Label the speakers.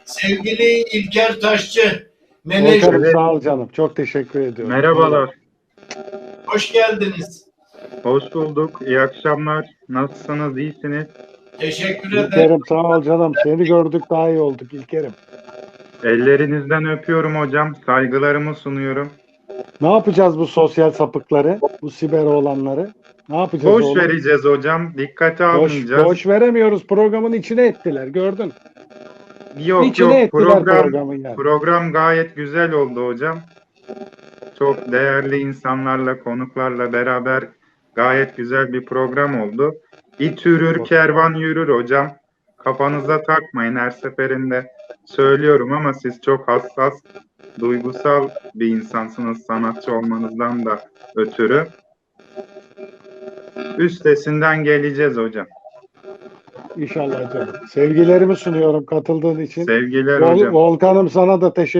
Speaker 1: Sevgili İlker Taşçı, menajer,
Speaker 2: Volkan'ım sağ ol canım. Çok teşekkür ediyorum.
Speaker 3: Merhabalar.
Speaker 1: hoş geldiniz.
Speaker 3: Hoş bulduk. İyi akşamlar. Nasılsınız? İyisiniz?
Speaker 1: Teşekkür ederim.
Speaker 2: İlker'im sağ ol canım. Seni gördük daha iyi olduk İlker'im.
Speaker 3: Ellerinizden öpüyorum hocam. Saygılarımı sunuyorum.
Speaker 2: Ne yapacağız bu sosyal sapıkları? Bu siber olanları? Ne yapacağız
Speaker 3: Boş
Speaker 2: oğlum?
Speaker 3: vereceğiz hocam. Dikkate
Speaker 2: Boş,
Speaker 3: almayacağız.
Speaker 2: boş veremiyoruz. Programın içine ettiler. Gördün.
Speaker 3: Yok
Speaker 2: İçine
Speaker 3: yok.
Speaker 2: ettiler programın yani.
Speaker 3: Program gayet güzel oldu hocam. Çok değerli insanlarla, konuklarla beraber gayet güzel bir program oldu. İt yürür, kervan yürür hocam. Kafanıza takmayın, her seferinde söylüyorum ama siz çok hassas, duygusal bir insansınız sanatçı olmanızdan da ötürü. Üstesinden geleceğiz hocam.
Speaker 2: İnşallah canım. Sevgilerimi sunuyorum katıldığın için.
Speaker 3: Sevgiler hocam.
Speaker 2: Volkan'ım sana da teşekkür